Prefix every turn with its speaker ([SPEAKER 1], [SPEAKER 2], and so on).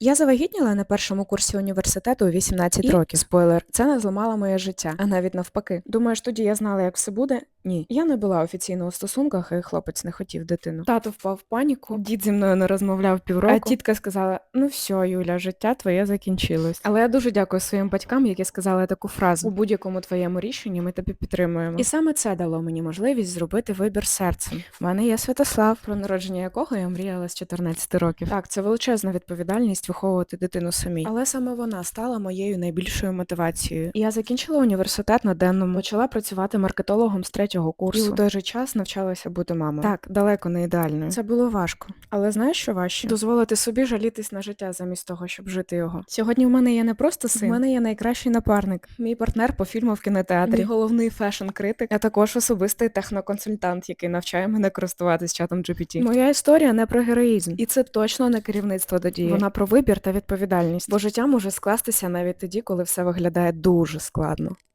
[SPEAKER 1] Я завагітніла на першому курсі університету у 18 років. Спойлер, це не зламало моє життя, а навіть навпаки. Думаєш, тоді я знала, як все буде? Ні. Я не була офіційно у стосунках, і хлопець не хотів дитину. Тато впав в паніку, дід зі мною не розмовляв півроку, а тітка сказала: ну все, Юля, життя твоє закінчилось. Але я дуже дякую своїм батькам, які сказали таку фразу: у будь-якому твоєму рішенні ми тебе підтримуємо. І саме це дало мені можливість зробити вибір серцем. У мене є Святослав, про народження якого я мріяла з 14 років. Так, це величезна відповідальність виховувати дитину самій. Але саме вона стала моєю найбільшою мотивацією. І я закінчила університет на денному, почала працювати маркетологом з 3-го курсу. І у той же час навчалася бути мамою. Так, далеко не ідеальною. Це було важко. Але знаєш, що важче? Дозволити собі жалітись на життя замість того, щоб жити його. Сьогодні в мене є не просто син, в мене є найкращий напарник, мій партнер по фільму в кінотеатрі, мій головний фешн-критик, а також особистий техноконсультант, який навчає мене користуватись чатом GPT. Моя історія не про героїзм. І це точно не керівництво до дії. Вона про вибір та відповідальність. Бо життя може скластися навіть тоді, коли все виглядає дуже складно.